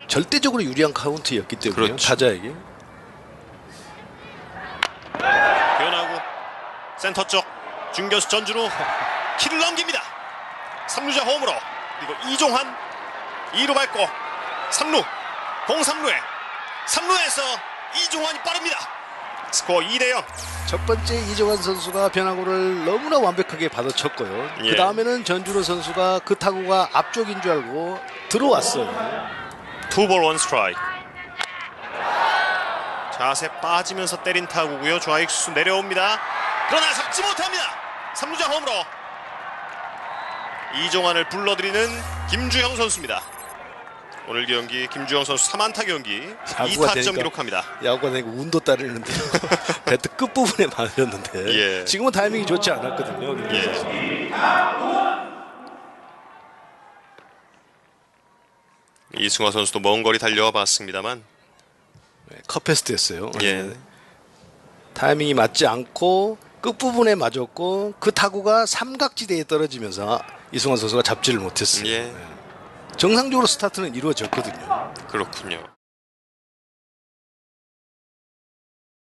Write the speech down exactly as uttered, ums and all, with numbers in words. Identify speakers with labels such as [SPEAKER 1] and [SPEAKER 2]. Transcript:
[SPEAKER 1] 절대적으로 유리한 카운트였기 때문에
[SPEAKER 2] 그렇죠.
[SPEAKER 1] 타자에게.
[SPEAKER 2] 변하고 센터 쪽 중견수 전준우 키를 넘깁니다. 삼루자 홈으로. 그리고 이종환 이 루 밟고 삼 루 공 삼 루에 삼 루에서 이종환이 빠릅니다. 스코어 이 대 영.
[SPEAKER 1] 첫 번째 이종환 선수가 변화구를 너무나 완벽하게 받아쳤고요.
[SPEAKER 2] 예.
[SPEAKER 1] 그 다음에는 전준호 선수가 그 타구가 앞쪽인 줄 알고 들어왔어요.
[SPEAKER 2] 투볼 원 스트라이크. 자세 빠지면서 때린 타구고요. 좌익수 내려옵니다. 그러나 잡지 못합니다. 삼루자 홈으로. 이종환을 불러들이는 김주형 선수입니다. 오늘 경기 김주형 선수 삼 안타 경기 이 타점 기록합니다.
[SPEAKER 1] 야구가 되니까 운도 따르는데 배트 끝부분에 맞았는데
[SPEAKER 2] 예.
[SPEAKER 1] 지금은 타이밍이 좋지 않았거든요.
[SPEAKER 2] 예. 이승화 선수도 먼 거리 달려와 봤습니다만
[SPEAKER 1] 컵페스트였어요.
[SPEAKER 2] 예.
[SPEAKER 1] 타이밍이 맞지 않고 끝부분에 맞았고 그 타구가 삼각지대에 떨어지면서 이승환 선수가 잡지를 못했어요.
[SPEAKER 2] 예.
[SPEAKER 1] 정상적으로 스타트는 이루어졌거든요.
[SPEAKER 2] 그렇군요.